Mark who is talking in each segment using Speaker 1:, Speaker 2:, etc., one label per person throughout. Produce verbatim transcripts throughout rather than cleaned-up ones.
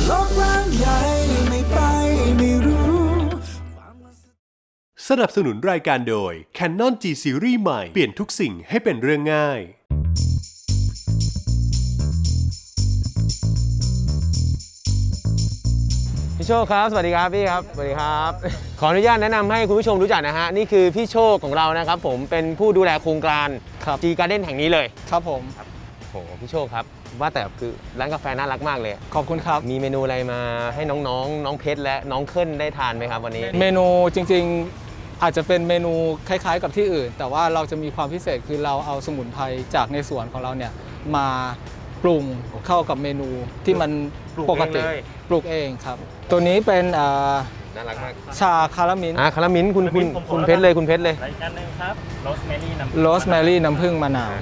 Speaker 1: โลกกว้างใหญ่ไม่ไปไม่รู้
Speaker 2: สนับสนุนรายการโดย Canon G Series ใหม่เปลี่ยนทุกสิ่งให้เป็นเรื่องง่าย
Speaker 3: พี่โชคครับสวัสดีครับพี่ครับสวัสดีครับขออนุญาตแนะนำให้คุณผู้ชมรู้จักนะฮะนี่คือพี่โชคของเรานะครับผมเป็นผู้ดูแลโครงการ G Garden แห่งนี้เลย
Speaker 4: ครับผม
Speaker 3: โอ้โหพี่โชคครับว่าแต่คือร้านกาแฟน่ารักมากเลย
Speaker 4: ขอบคุณครับ
Speaker 3: มีเมนูอะไรมาให้น้องๆน้องเพชรและน้องเคิลได้ทานไหมครับวันนี้
Speaker 4: เมนูจริงๆอาจจะเป็นเมนูคล้ายๆกับที่อื่นแต่ว่าเราจะมีความพิเศษคือเราเอาสมุนไพรจากในสวนของเราเนี่ยมาปรุงเข้ากับเมนูที่มันปกติปลูกเองครับตัวนี้เป็น
Speaker 3: น่ารักมาก
Speaker 4: ชาคารามิน
Speaker 3: อ่าคารามินคุณคุณคุณเพชรเลยคุณเพชรเลย
Speaker 5: อีกอันนึงครับโรสแมรี่น้ำ
Speaker 4: โรสแมรี่น้ำผึ้งมะนาว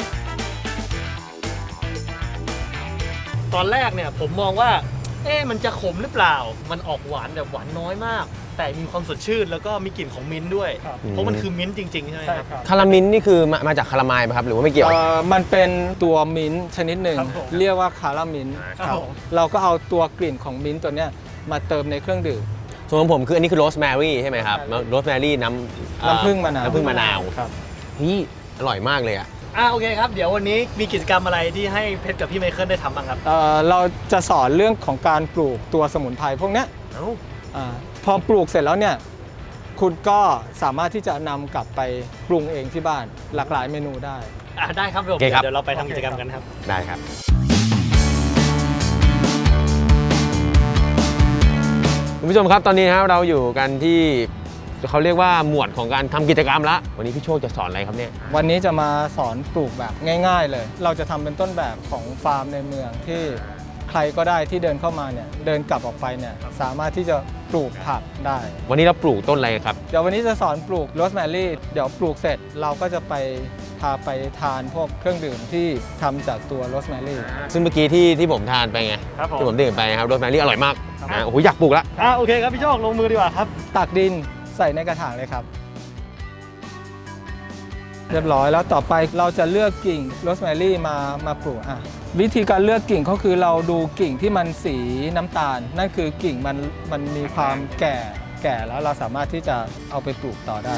Speaker 5: ตอนแรกเนี่ยผมมองว่าเอ๊ะมันจะขมหรือเปล่ามันออกหวานแบบหวานน้อยมากแต่มีความสดชื่นแล้วก็มีกลิ่นของมิ้นท์ด้วยเพราะมันคือมิ้นท์จริงๆใช่ไหมครับ
Speaker 3: คารามินนี่คือมามาจากคารามายไหมครับหรือว่าไม่เกี่ยว
Speaker 4: มันเป็นตัวมิ้นท์ชนิดหนึ่งเรียกว่าคารามินครับเราก็เอาตัวกลิ่นของมิ้นท์ตัวเนี้ยมาเติมในเครื่องดื่ม
Speaker 3: ส่วนของผมคืออันนี้คือโรสแมรี่ใช่ไหมครับโรสแมรี่น้
Speaker 4: ำน้ำผึ้งมะนาว
Speaker 3: น้ำผึ้งมะนาว
Speaker 4: ครับ
Speaker 3: นี่อร่อยมากเลยอ่ะ
Speaker 5: อ่าโอเคครับเดี๋ยววันนี้มีกิจกรรมอะไรที่ให้เพชรกับพี่ไมเคิลได้ทำบ้างครับ
Speaker 4: เอ่อเราจะสอนเรื่องของการปลูกตัวสมุนไพรพวกเนี้ยอ่าพอปลูกเสร็จแล้วเนี่ยคุณก็สามารถที่จะนำกลับไปปรุงเองที่บ้านหลากหลายเมนูได้
Speaker 5: อ่าได้ครับผมเดี๋ยวเราไปทำกิจกรรมกันครับ
Speaker 3: ได้ครับคุณผู้ชมครับตอนนี้ครับเราอยู่กันที่เขาเรียกว่าหมวดของการทำกิจกรรมละวันนี้พี่โชคจะสอนอะไรครับเนี่ย
Speaker 4: วันนี้จะมาสอนปลูกแบบง่ายๆเลยเราจะทำเป็นต้นแบบของฟาร์มในเมืองที่ใครก็ได้ที่เดินเข้ามาเนี่ยเดินกลับออกไปเนี่ยสามารถที่จะปลูกผักได้
Speaker 3: วันนี้เราปลูกต้นอะไรครับ
Speaker 4: เดี๋ยววันนี้จะสอนปลูกโรสแมรี่เดี๋ยวปลูกเสร็จเราก็จะไปพาไปทานพวกเครื่องดื่มที่ทำจากตัวโรสแมรี่
Speaker 3: ซึ่งเมื่อกี้ที่ที่ผมทานไปไงที่ผมดื่มไปครับโรสแมรี่อร่อยมากนะโอ้โหอยากปลูกละ
Speaker 5: อ่าโอเคครับพี่โชคลงมือดีกว่าครับ
Speaker 4: ตักดินใส่ในกระถางเลยครับเรียบร้อยแล้วต่อไปเราจะเลือกกิ่งโรสแมรี่มามาปลูกอ่ะวิธีการเลือกกิ่งก็คือเราดูกิ่งที่มันสีน้ำตาลนั่นคือกิ่งมันมันมีความแก่แก่แล้วเราสามารถที่จะเอาไปปลูกต่อได้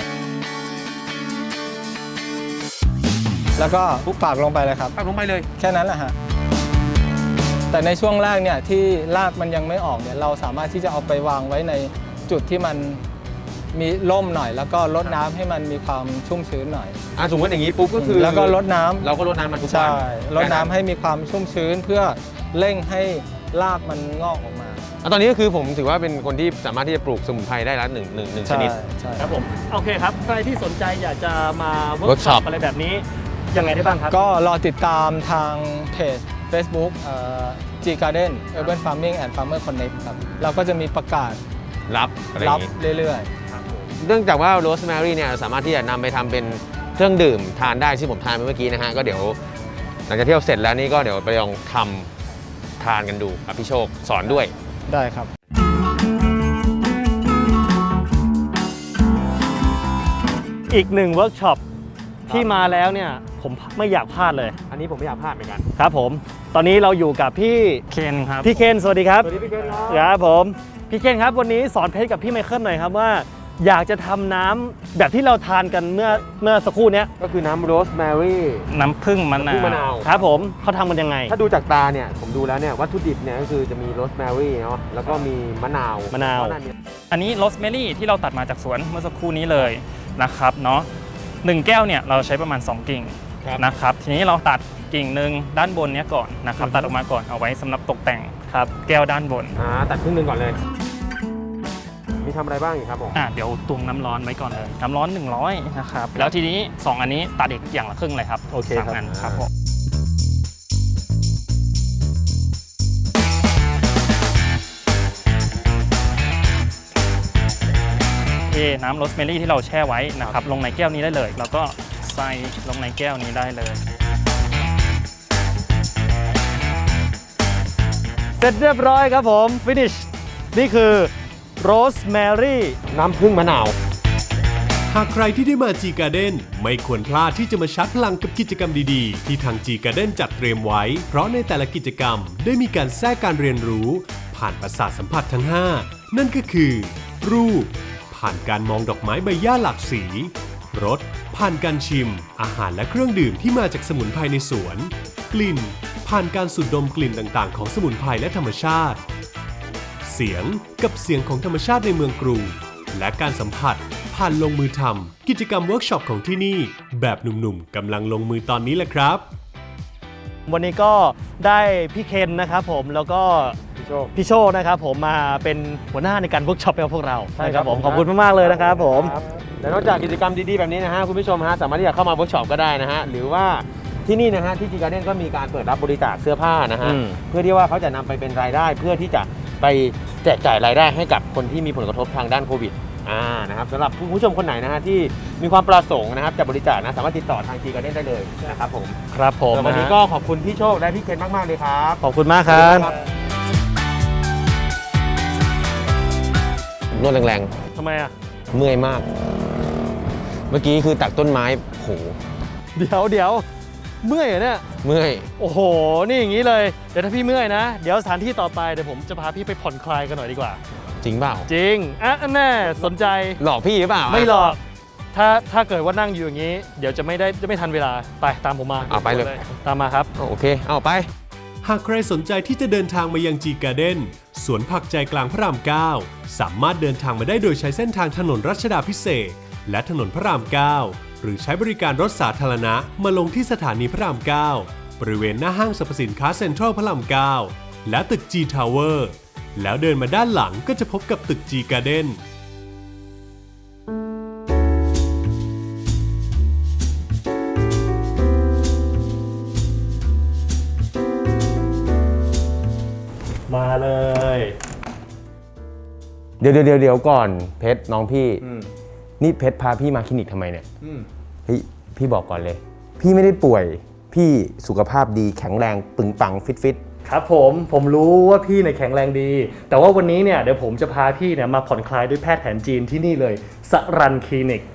Speaker 4: แล้วก็ปุ๊บปากลงไปเลยครับ
Speaker 3: ปากลงไปเลย
Speaker 4: แค่นั้นแหละฮะแต่ในช่วงแรกเนี่ยที่รากมันยังไม่ออกเนี่ยเราสามารถที่จะเอาไปวางไว้ในจุดที่มันมีร่มหน่อยแล้วก็รดน้ำให้มันมีความชุ่มชื้นหน่อย
Speaker 3: อ่ะสมมติอย่างนี้ปุ๊บก็คือ
Speaker 4: แล้วก็รดน้ำ
Speaker 3: เราก็รดน้ำมันทุกวัน
Speaker 4: ใช่รดน้ำให้มีความชุ่มชื้นเพื่อเร่งให้รากมันงอกออกมา
Speaker 3: ตอนนี้ก็คือผมถือว่าเป็นคนที่สามารถที่จะปลูกสมุนไพรได้แล้วหนึ่งหนึ่งหนึ่งชนิด
Speaker 4: ใช่
Speaker 5: ครับผมโอเคครับใครที่สนใจอยากจะมาเวิร์กช็อปอะไรแบบนี้ยังไงได้บ้างครับ
Speaker 4: ก็รอติดตามทางเพจ Facebook เอ่อ G Garden Urban Farming and Farmer Connect ครับเราก็จะมีประกาศ
Speaker 3: รับ
Speaker 4: รับเรื่อยๆ
Speaker 3: เนื่องจากว่าโรสแมรี่เนี่ยสามารถที่จะนำไปทำเป็นเครื่องดื่มทานได้ที่ผมทานไปเมื่อกี้นะฮะก็เดี๋ยวหลังจากเที่ยวเสร็จแล้วนี่ก็เดี๋ยวไปลองทำทานกันดูครับพี่โชคสอนด้วย
Speaker 4: ได้ครับ
Speaker 5: อีกหนึ่งเวิร์กช็อปที่มาแล้วเนี่ยผมไม่อยากพลาดเลย
Speaker 3: อันนี้ผมไม่อยากพลาดเหมือนกัน
Speaker 5: ครับผมตอนนี้เราอยู่กับพี่
Speaker 4: เคนครับ
Speaker 5: พี่เคนสวัสดีครับ
Speaker 3: สวัสดีพี่เคน
Speaker 5: ครับผมพี่เคนครับวันนี้สอนเพชรกับพี่ไมเคิลหน่อยครับว่าอยากจะทำน้ำแบบที่เราทานกันเมื่อเมื่อสักครู่นี้
Speaker 3: ก็คือน้ำโรสแมรี่
Speaker 4: น้ำผึ้งมะนาว
Speaker 5: ครับผมเขาทำกันยังไง
Speaker 3: ถ้าดูจากตาเนี่ยผมดูแล้วเนี่ยวัตถุดิบเนี่ยก็คือจะมีโรสแมรี่เนาะแล้วก็มีมะนาว
Speaker 5: มะนาว
Speaker 6: อันนี้โรสแมรี่ที่เราตัดมาจากสวนเมื่อสักครู่นี้เลยนะครับเนาะหนึ่งแก้วเนี่ยเราใช้ประมาณสองกิ่งนะครับทีนี้เราตัดกิ่งหนึ่งด้านบนเนี้ยก่อนนะครับตัดออกมาก่อนเอาไว้สำหรับตกแต่งครับแก้วด้านบน
Speaker 3: อ่าตัดครึ่งนึงก่อนเลยมีทำอะไรบ้างอีกครับผม
Speaker 6: อ่าเดี๋ยวตวงน้ำร้อนไว้ก่อนเลยน้ำร้อนหนึ่งร้อยนะครับแล้วทีนี้สองอันนี้ตัดอีกอย่างละครึ่งเลยครับ
Speaker 5: โอเคครับ
Speaker 6: อันครับผมเทน้ำโรสแมรี่ที่เราแช่ไว้นะครับลงในแก้วนี้ได้เลยแล้วก็ใส่ลงในแก้วนี้ได้เลย
Speaker 5: เสร็จเรียบร้อยครับผมฟินิชนี่คือโรสแมรี่
Speaker 3: น้ำผึ้งมะนาว
Speaker 2: หากใครที่ได้มา G Garden ไม่ควรพลาดที่จะมาชาร์จพลังกับกิจกรรมดีๆที่ทาง G Garden จัดเตรียมไว้เพราะในแต่ละกิจกรรมได้มีการแทรกการเรียนรู้ผ่านประสาทสัมผัสทั้งห้านั่นก็คือรูปผ่านการมองดอกไม้ใบหญ้าหลากสีรสผ่านการชิมอาหารและเครื่องดื่มที่มาจากสมุนไพรในสวนกลิ่นผ่านการสูดดมกลิ่นต่างๆของสมุนไพรและธรรมชาติเสียงกับเสียงของธรรมชาติในเมืองกรุงและการสัมผัสผ่านลงมือทำกิจกรรมเวิร์กช็อปของที่นี่แบบหนุ่มๆกำลังลงมือตอนนี้แหละครับ
Speaker 5: วันนี้ก็ได้พี่เคนนะครับผมแล้วก็พี่โชคพี่โชคนะครับผมมาเป็นหัวหน้าในการเวิร์กช็อปให้พวกเราใช่ครับผมขอบคุณมากๆเลยนะครับผม
Speaker 3: และนอกจากกิจกรรมดีๆแบบนี้นะฮะคุณผู้ชมฮะสามารถที่จะเข้ามาเวิร์กช็อปก็ได้นะฮะหรือว่าที่นี่นะฮะที่จีการ์เด้นก็มีการเปิดรับบริจาคเสื้อผ้านะฮะเพื่อที่ว่าเขาจะนำไปเป็นรายได้เพื่อที่จะไปแจกจ่ายรายได้ให้กับคนที่มีผลกระทบทางด้านโควิดอ่านะครับสำหรับผู้ชมคนไหนนะฮะที่มีความประสงค์นะครับจะบริจาคนะสามารถติดต่อทางจีการ์เด้นได้เลยนะครับผม
Speaker 5: ครับผม
Speaker 3: วันนี้ก็ขอบคุณพี่โชคและพี่เคนมากๆเลยครับ
Speaker 5: ขอบคุณมากครับ
Speaker 3: นวดแรง
Speaker 5: ทำไมอ่ะ
Speaker 3: ๆเมื่อยมาก เมื่อกี้คือตักต้นไม้โห
Speaker 5: เดี๋ยวเดี๋ยวเมื่อยเหรอเนี่ย
Speaker 3: เมื่อย
Speaker 5: โอ้โหนี่อย่างนี้เลยเดี๋ยวถ้าพี่เมื่อยนะเดี๋ยวสถานที่ต่อไปเดี๋ยวผมจะพาพี่ไปผ่อนคลายกันหน่อยดีกว่า
Speaker 3: จริงเปล่า
Speaker 5: จริงอ่ะแน่สนใจ
Speaker 3: หลอกพี่หรือเปล่า
Speaker 5: ไม่หลอกถ้าถ้าเกิดว่านั่งอยู่อย่างนี้เดี๋ยวจะไม่ได้จะไม่ทันเวลาไปตามผมมา
Speaker 3: เอาไปเลย
Speaker 5: ตามมาครับ
Speaker 3: โอเคเอาไป
Speaker 2: หากใครสนใจที่จะเดินทางมายังจีการ์เด้นสวนผักใจกลางพระรามเก้าสามารถเดินทางมาได้โดยใช้เส้นทางถนนรัชดาภิเษกและถนนพระรามเก้าหรือใช้บริการรถสาธารณะมาลงที่สถานีพระรามเก้าบริเวณหน้าห้างสรรพสินค้าเซ็นทรัลพระรามเก้าและตึก G Tower แล้วเดินมาด้านหลังก็จะพบกับตึก G Garden
Speaker 5: มาเลย
Speaker 3: เดี๋ยวเดี๋ยวเดี๋ยวก่อนเพชรน้องพี่นี่เพชรพาพี่มาคลินิกทำไมเนี่ยเฮ้ยพี่บอกก่อนเลย พี่ไม่ได้ป่วยพี่สุขภาพดีแข็งแรงปึงปังฟิตฟิต
Speaker 5: ครับผมผมรู้ว่าพี่เนี่ยแข็งแรงดี แต่ว่าวันนี้เนี่ยเดี๋ยวผมจะพาพี่เนี่ยมาผ่อนคลายด้วยแพทย์แผนจีนที่นี่เลยสรันคลินิก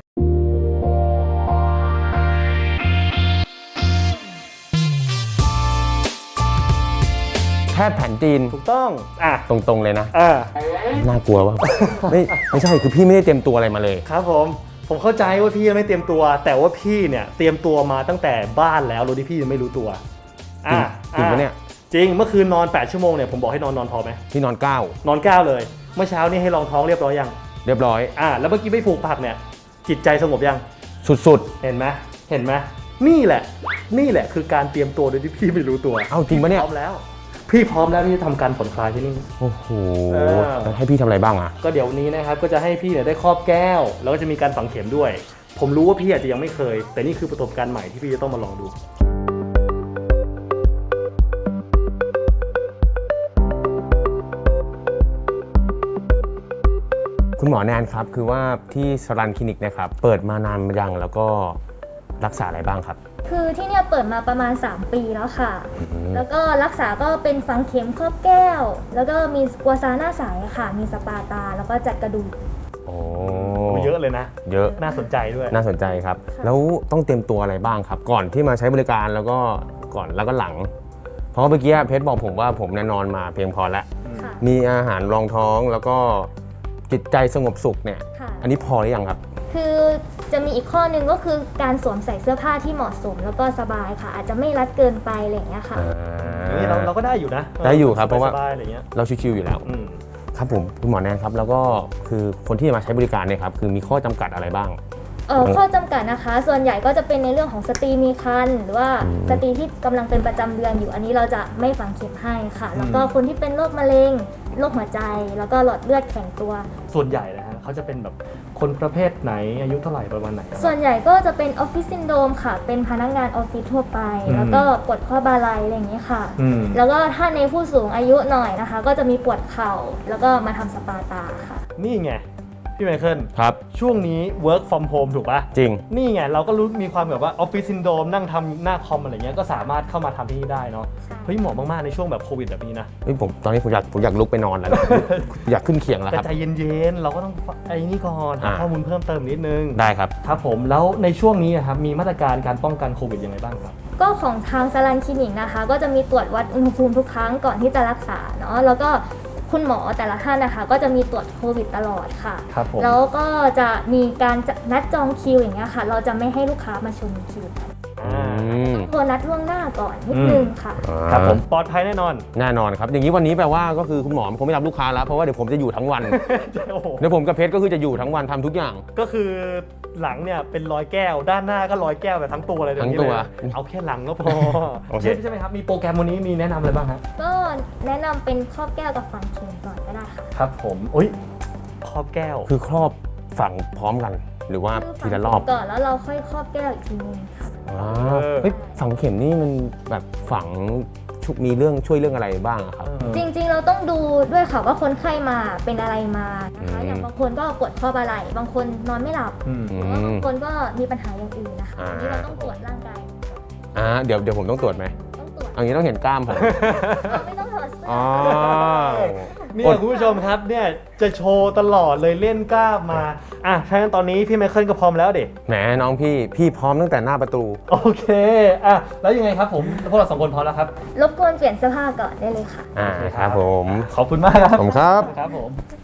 Speaker 3: แพทย์แผนจีน
Speaker 5: ถูกต้องอ่ะ
Speaker 3: ตรงๆเลยนะ
Speaker 5: อ่า
Speaker 3: น่ากลัวป่ะ ไม่ไม่ใช่คือพี่ไม่ได้เตรียมตัวอะไรมาเลย
Speaker 5: ครับผมผมเข้าใจว่าพี่ยังไม่เตรียมตัว แต่ว่าพี่เนี่ยเตรียมตัวมาตั้งแต่บ้านแล้วโดยที่พี่ยังไม่รู้ตัวอ่ะ
Speaker 3: จริงปะเนี่ย
Speaker 5: จริงเมื่อคืนนอนแปดชั่วโมงเนี่ยผมบอกให้นอนนอนพอไหม
Speaker 3: พี่นอนเก้าน
Speaker 5: อนเก้าเลยเมื่อเช้านี่ให้รองท้องเรียบร้อยยัง
Speaker 3: เรียบร้อย
Speaker 5: อ่าแล้วเมื่อกี้ไม่ผูกผักเนี่ยจิตใจสงบยัง
Speaker 3: สุด
Speaker 5: เห็นไหมเห็นไหมนี่แหละนี่แหละคือการเตรียมตัวโดยที่พี่ไม่รู้ตัว
Speaker 3: ๆเอ้าจริงปะเนี่ย
Speaker 5: พร้อมแล้วพี่พร้อมแล้วที่จะทำการผ่อนคลายที่นี่
Speaker 3: โอ้โห
Speaker 5: เออ
Speaker 3: แล้วให้พี่ทำอะไรบ้างอ่ะ
Speaker 5: ก็เดี๋ยวนี้นะครับก็จะให้พี่เนี่ยได้ครอบแก้วแล้วก็จะมีการฝังเข็มด้วยผมรู้ว่าพี่อาจจะยังไม่เคยแต่นี่คือประสบการณ์ใหม่ที่พี่จะต้องมาลองดู
Speaker 3: คุณหมอแนนครับคือว่าที่สรันคลินิกนะครับเปิดมานานยังแล้วก็รักษาอะไรบ้างครับ
Speaker 7: คือที่เนี่ยเปิดมาประมาณสามปีแล้วค่ะ แล้วก็รักษาก็เป็นฝังเข็มครอบแก้ว แล้วก็มีกัวซาหน้าใสค่ะมีสปาตาแล้วก็จัดกระดูก
Speaker 3: โอ้
Speaker 5: เยอะเลยนะ
Speaker 3: เยอะ
Speaker 5: น่าสนใจด้วย
Speaker 3: น่าสนใจครับแล้วต้องเตรียมตัวอะไรบ้างครับ ก่อนที่มาใช้บริการแล้วก็ก่อนแล้วก็หลัง เพราะเมื่อกี้เพชรบอกผมว่าผมนอนมาเพียงพอแล้ว
Speaker 7: ค่ะ
Speaker 3: มีอาหารรองท้องแล้วก็จิตใจสงบสุขเนี่ย
Speaker 7: ค่ะ
Speaker 3: อันนี้พอหรือยังครับ
Speaker 7: คือจะมีอีกข้อหนึงก็คือการสวมใส่เสื้อผ้าที่เหมาะสมแล้วก็สบายค่ะ อาจจะไม่รัดเกินไปอะไรอย่างเงี้ยค่ะ
Speaker 5: นี่เราเราก็ได้อยู่นะ
Speaker 3: ได้อยู่ครับเพราะว่า
Speaker 5: สบายๆอะไรเงี้ย
Speaker 3: เราชิวๆอยู่แล้ว
Speaker 5: อืม
Speaker 3: ครับผมคุณหมอแนนครับแล้วก็คือคนที่มาใช้บริการเนี่ยครับคือมีข้อจำกัดอะไรบ้าง
Speaker 7: เอ่อข้อจำกัดนะคะ ส่วนใหญ่ก็จะเป็นในเรื่องของสตรีมีครรภ์หรือว่า
Speaker 3: อืม
Speaker 7: สตรีที่กำลังเป็นประจำเดือนอยู่อันนี้เราจะไม่ฝังเข็มให้ค่ะ แล้วก็คนที่เป็นโรคมะเร็งโรคหัวใจ แล้วก็หลอดเลือดแข็งตัว
Speaker 5: ส่วนใหญ่นะฮะเขาจะเป็นแบบคนประเภทไหนอายุเท่าไหร่ประมาณไหน
Speaker 7: ส่วนใหญ่ก็จะเป็นออฟฟิศซินโดรมค่ะ เป็นพนักงานออฟฟิศทั่วไป
Speaker 5: อืม
Speaker 7: แล้วก็ปวดข้อบาไหล่อะไรอย่างนี้ยค่ะ
Speaker 5: อืม
Speaker 7: แล้วก็ถ้าในผู้สูงอายุหน่อยนะคะ ก็จะมีปวดเข่า แล้วก็มาทำสปาตาค่ะ
Speaker 5: นี่ไงพี่ไมเคิล
Speaker 3: ครับ
Speaker 5: ช่วงนี้ work from home ถูกปะ
Speaker 3: จริง
Speaker 5: นี่ไงเราก็รู้มีความแบบว่าออฟฟิศซินโดรมนั่งทำหน้าคอมอะไรเงี้ยก็สามารถเข้ามาทำที่นี่ได้เนาะ
Speaker 7: ใช่
Speaker 5: เฮ้ยเหมาะมากๆในช่วงแบบโควิดแบบนี้นะ
Speaker 3: เฮ้ยผมตอนนี้ผมอยากผมอยากลุกไปนอนแล้วนะ อยากขึ้นเขียงแล้ว
Speaker 5: แต่
Speaker 3: ครับ
Speaker 5: ใจเย็นๆเราก็ต้องไอ้นี่ก่อนหา
Speaker 3: อ่า
Speaker 5: ข้อมูลเพิ่มเติมนิดนึง
Speaker 3: ได้ครับ
Speaker 5: ครับผมแล้วในช่วงนี้ครับมีมาตรการการป้องกันโควิดยังไงบ้างครับ
Speaker 7: ก็ของทางสลันคลินิกนะคะ ก็จะมีตรวจวัดอุณหภูมิทุกครั้งก่อนที่จะรักษาเนาะแล้วก็คุณหมอแต่ละท่านนะคะก็จะมีตรวจโควิดตลอดค่ะ
Speaker 5: ครับผม
Speaker 7: แล้วก็จะมีการนัดจองคิวอย่างเงี้ยค่ะ เราจะไม่ให้ลูกค้ามาชมคิวกัน
Speaker 3: อืม
Speaker 7: โทรนัดล่วงหน้าก่อนนิดนึงค่ะ
Speaker 5: ครับผมปลอดภัยแน่นอน
Speaker 3: แน่นอนครับ อย่างนี้วันนี้แปลว่าก็คือคุณหมอคงไม่รับลูกค้าแล้ว เพราะว่าเดี๋ยวผมจะอยู่ทั้งวัน
Speaker 5: โอ้โห
Speaker 3: เดี๋ยวผมกับเพชรก็คือจะอยู่ทั้งวันทำทุกอย่าง
Speaker 5: ก็คือหลังเนี่ยเป็นรอยแก้วด้านหน้าก็รอยแก้วแบบทั้งตัวเลยเดี๋ย
Speaker 3: ทั้ง
Speaker 5: นี้
Speaker 3: ตัว
Speaker 5: เลยเอาแค่หลังก็พอ
Speaker 3: โอเค
Speaker 5: ใช่ใช่ไหมครับมีโปรแกรมวันนี้มีแนะนำอะไรบ้างครับ
Speaker 7: ก็แนะนำเป็นครอบแก้วกับฝังเข็มก่อนก็ได้ค่ะ
Speaker 5: ครับผมอุ้ยครอบแก้ว
Speaker 3: คือครอบฝังพร้อมกัน หรือว่าทีละรอบ
Speaker 7: ก่อนแล้วเราค่อยครอบแก้วอีกทีนึงค่ะ
Speaker 3: อ๋อเฮ้ยฝังเข็มนี่มันแบบฝังชุมีเรื่องช่วยเรื่องอะไรบ้างอะครับ
Speaker 7: จริงๆเราต้องดูด้วยค่ะว่าคนไข้มาเป็นอะไรมานะคะ
Speaker 3: อืม
Speaker 7: อย่างบางคนก็ปวดข้อบ่าไหล่บางคนนอนไม่หลับ
Speaker 5: อืม
Speaker 7: หรือว่าบางคนก็มีปัญหาอย่างอื่นนะคะ
Speaker 3: อ่า
Speaker 7: อันนี้เราต้องตรวจร่างกาย
Speaker 3: อ่าเดี๋ยวเดี๋ยวผมต้องตรวจไหม
Speaker 7: ต้องตรวจ
Speaker 3: อันนี้ต้องเห็นกล้ามผม
Speaker 7: เราไม่ต้องถอดเสื้อ
Speaker 3: อ๋อ
Speaker 5: เนี่ยคุณผู้ชมครับเนี่ยจะโชว์ตลอดเลยเล่นกล้ามมาอ่ะถ้างั้นตอนนี้พี่ไมเคิลก็พร้อมแล้วเด็ก
Speaker 3: แหมน้องพี่พี่พร้อมตั้งแต่หน้าประตู
Speaker 5: โอเคอ่ะแล้วยังไงครับผมพวกเราสองคนพร้อมแล้วครับ
Speaker 7: รบกวนเปลี่ยนเสื้อผ้าก่อนได้เลยค่ะ
Speaker 3: อ่าครับผม
Speaker 5: ขอบคุณมากครับ
Speaker 3: ผมครับ
Speaker 5: ครับผม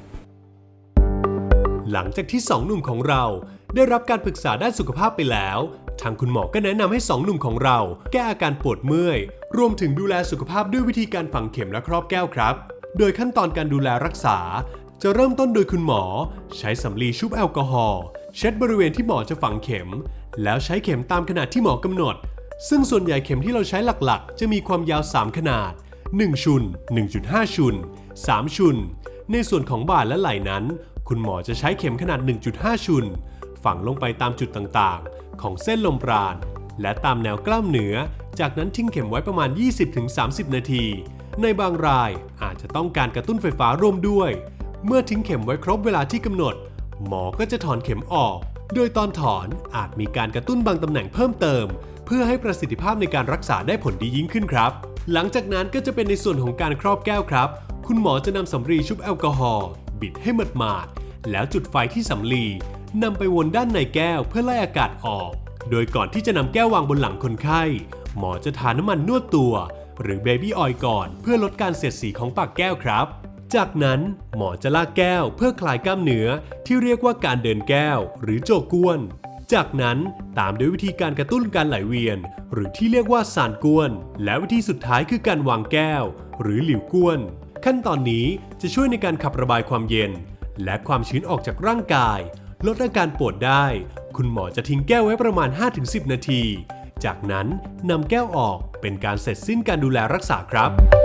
Speaker 2: หลังจากที่สองหนุ่มของเราได้รับการปรึกษาด้านสุขภาพไปแล้ว ทางคุณหมอก็แนะนำให้สองหนุ่มของเราแก้อาการปวดเมื่อยรวมถึงดูแลสุขภาพด้วยวิธีการฝังเข็มและครอบแก้วครับ โดยขั้นตอนการดูแลรักษา จะเริ่มต้นโดยคุณหมอใช้สำลีชุบแอลกอฮอล์เช็ดบริเวณที่หมอจะฝังเข็ม แล้วใช้เข็มตามขนาดที่หมอกำหนด ซึ่งส่วนใหญ่เข็มที่เราใช้หลักๆ จะมีความยาวสามขนาดหนึ่งชุน หนึ่งจุดห้า ชุน สามชุน ในส่วนของบ่าและไหล่นั้น คุณหมอจะใช้เข็มขนาด หนึ่งจุดห้า ชุน ฝังลงไปตามจุดต่างๆ ของเส้นลมปราณและตามแนวกล้ามเนื้อ จากนั้นทิ้งเข็มไว้ประมาณ ยี่สิบถึงสามสิบ นาที ในบางรายอาจจะต้องการกระตุ้นไฟฟ้าร่วมด้วย เมื่อทิ้งเข็มไว้ครบเวลาที่กำหนด หมอก็จะถอนเข็มออก โดยตอนถอนอาจมีการกระตุ้นบางตำแหน่งเพิ่มเติม เพื่อให้ประสิทธิภาพในการรักษาได้ผลดียิ่งขึ้นครับ หลังจากนั้นก็จะเป็นในส่วนของการครอบแก้วครับ คุณหมอจะนำสำลีชุบแอลกอฮอล์บิดให้หมาดๆแล้วจุดไฟที่สำลีนำไปวนด้านในแก้วเพื่อไล่อากาศออก โดยก่อนที่จะนำแก้ววางบนหลังคนไข้ หมอจะทาน้ำมันนวดตัว หรือเบบี้ออยล์ก่อนเพื่อลดการเสียดสีของปากแก้วครับ จากนั้นหมอจะลากแก้วเพื่อคลายกล้ามเนื้อที่เรียกว่าการเดินแก้วหรือโจกวน จากนั้นตามด้วยวิธีการกระตุ้นการไหลเวียน หรือที่เรียกว่าสานกวน และวิธีสุดท้ายคือการวางแก้ว หรือหลิวกวน ขั้นตอนนี้จะช่วยในการขับระบายความเย็น และความชื้นออกจากร่างกาย ลดอาการปวดได้ คุณหมอจะทิ้งแก้วไว้ประมาณ ห้าถึงสิบ นาที จากนั้นนำแก้วออกเป็นการเสร็จสิ้นการดูแลรักษาครับ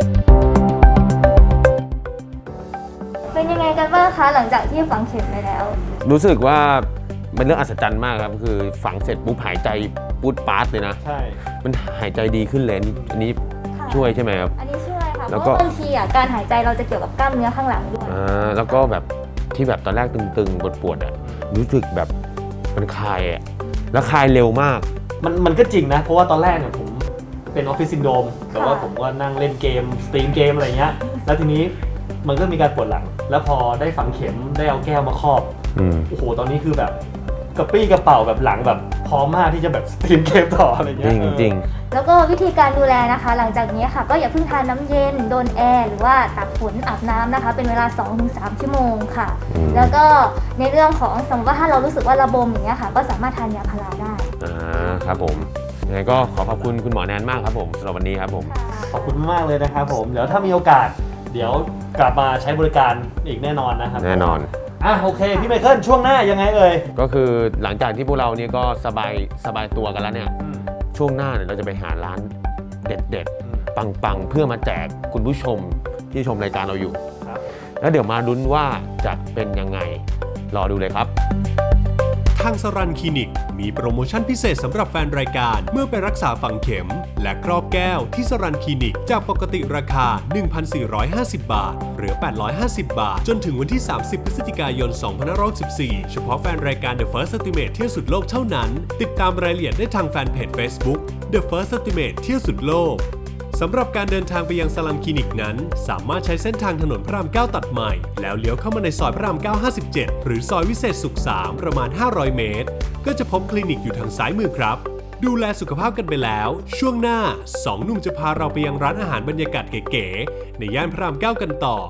Speaker 7: เป็นยังไงกันบ้างคะหลังจากที่ฝังเข็มไปแล้ว
Speaker 3: รู้สึกว่าเป็นเรื่องอัศจรรย์มากครับคือฝังเสร็จปุ๊บหายใจปูดปาดเลยนะ
Speaker 5: ใช่
Speaker 3: มันหายใจดีขึ้นเลยอันนี้อันนี้
Speaker 7: ค่ะ
Speaker 3: ช่วยใช่ไหมครับ
Speaker 7: อันนี้ช่วยค่ะ เพ
Speaker 3: แล้ว
Speaker 7: ราะ
Speaker 3: ก็
Speaker 7: ว่าบางทีอ่ะการหายใจเราจะเกี่ยวกับกล้ามเนื้อข้างหลังด้วย
Speaker 3: อ่าแล้วก็แบบที่แบบตอนแรกตึงๆปวดๆอ่ะรู้สึกแบบมันคลายอ่ะแล้วคลายเร็วมาก
Speaker 5: มันมันก็จริงนะ เพราะว่าตอนแรกเนี่ยผมเป็นออฟฟิศซินโดรมแต่ว่าผมก็นั่งเล่นเกมสตรีมเกมอะไรเงี้ยแล้วทีนี้มันก็มีการปวดหลัง แล้วพอได้ฝังเข็มได้เอาแก้วมาครอบ
Speaker 3: อืม
Speaker 5: โอ้โหตอนนี้คือแบบกระปี้กระเป๋าแบบหลังแบบพร้อมมากที่จะแบบสตรีมเกมต่ออะไร
Speaker 3: จ
Speaker 5: เงี้
Speaker 3: ริ
Speaker 5: ย
Speaker 3: ง
Speaker 5: เออ
Speaker 3: จริง
Speaker 7: แล้วก็วิธีการดูแลนะคะ หลังจากนี้ค่ะ ก็อย่าเพิ่งทานน้ำเย็นโดนแอร์หรือว่าตากฝนอาบน้ำนะคะ เป็นเวลา สองถึงสาม ชั่วโมงค่ะ
Speaker 3: อืม
Speaker 7: แล้วก็ในเรื่องของสมมติว่าถ้าเรารู้สึกว่าระบมอย่างเงี้ยค่ะ ก็สามารถทานยาพาราได้
Speaker 3: อ่าครับผมยังไงก็ขอขอบคุณคุณหมอแนนมากครับผมสำหรับวันนี้ครับผม
Speaker 5: ขอบคุณมากเลยนะครับผมเดี๋ยวถ้ามีโอกาส เดี๋ยวกลับมาใช้บริการอีกแน่นอนนะครับ
Speaker 3: แน่นอน
Speaker 5: อ่ะโอเคพี่ไมเคิลช่วงหน้ายังไงเอ่ย
Speaker 3: ก็คือหลังจากที่พวกเราเนี่ยก็สบายสบายตัวกันแล้วเนี่ยช่วงหน้าเนี่ยเราจะไปหาร้านเด็ดๆ ปังๆ เพื่อมาแจกคุณผู้ชมที่ชมรายการเราอยู่
Speaker 5: ครับ
Speaker 3: แล้วเดี๋ยวมาลุ้นว่าจะเป็นยังไงรอดูเลยครับ
Speaker 2: ทางสรันคลินิกมีโปรโมชั่นพิเศษสำหรับแฟนรายการเมื่อไปรักษาฝังเข็ม และครอบแก้วที่สรันคลินิกจากปกติราคา หนึ่งพันสี่ร้อยห้าสิบ บาทเหลือ แปดร้อยห้าสิบ บาท จนถึงวันที่ สามสิบ พฤศจิกายน สองพันห้าร้อยสิบสี่ เฉพาะแฟนรายการ The First Estimate เที่ยวสุดโลกเท่านั้น ติดตามรายละเอียดได้ทางแฟนเพจ Facebook The First Estimate เที่ยวสุดโลก สำหรับการเดินทางไปยังสลัมคลินิกนั้นสามารถใช้เส้นทางถนนพระรามเก้าตัดใหม่แล้วเลี้ยวเข้ามาในซอยพระรามเก้า ห้าสิบเจ็ดหรือซอยวิเศษสุขสามประมาณห้าร้อยเมตรก็จะพบคลินิกอยู่ทางซ้ายมือครับดูแลสุขภาพกันไปแล้วช่วงหน้าสองหนุ่มจะพาเราไปยังร้านอาหารบรรยากาศเก๋ๆในย่านพระรามเก้ากันต่อ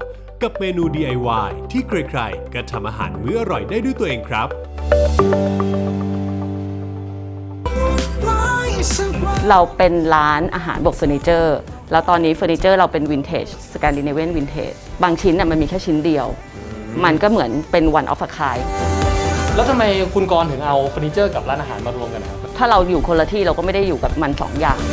Speaker 2: กับเมนู ดี ไอ วาย ที่ใครๆก็ทำอาหารมื้ออร่อยได้ด้วยตัวเองครับ
Speaker 8: เราเป็นร้านอาหารบวกเฟอร์นิเจอร์แล้วตอนนี้เฟอร์นิเจอร์เราเป็นวินเทจสแกนดิเนเวียนวินเทจบางชิ้นน่ะมันมีแค่ชิ้นเดียว มันก็เหมือนเป็น one of a kind
Speaker 5: แล้วทำไมคุณกรณ์ถึงเอาเฟอร์นิเจอร์กับร้านอาหารมารวมกันครับ
Speaker 8: ถ้าเราอยู่คนละที่เราก็ไม่ได้อยู่กับมันสองอย่าง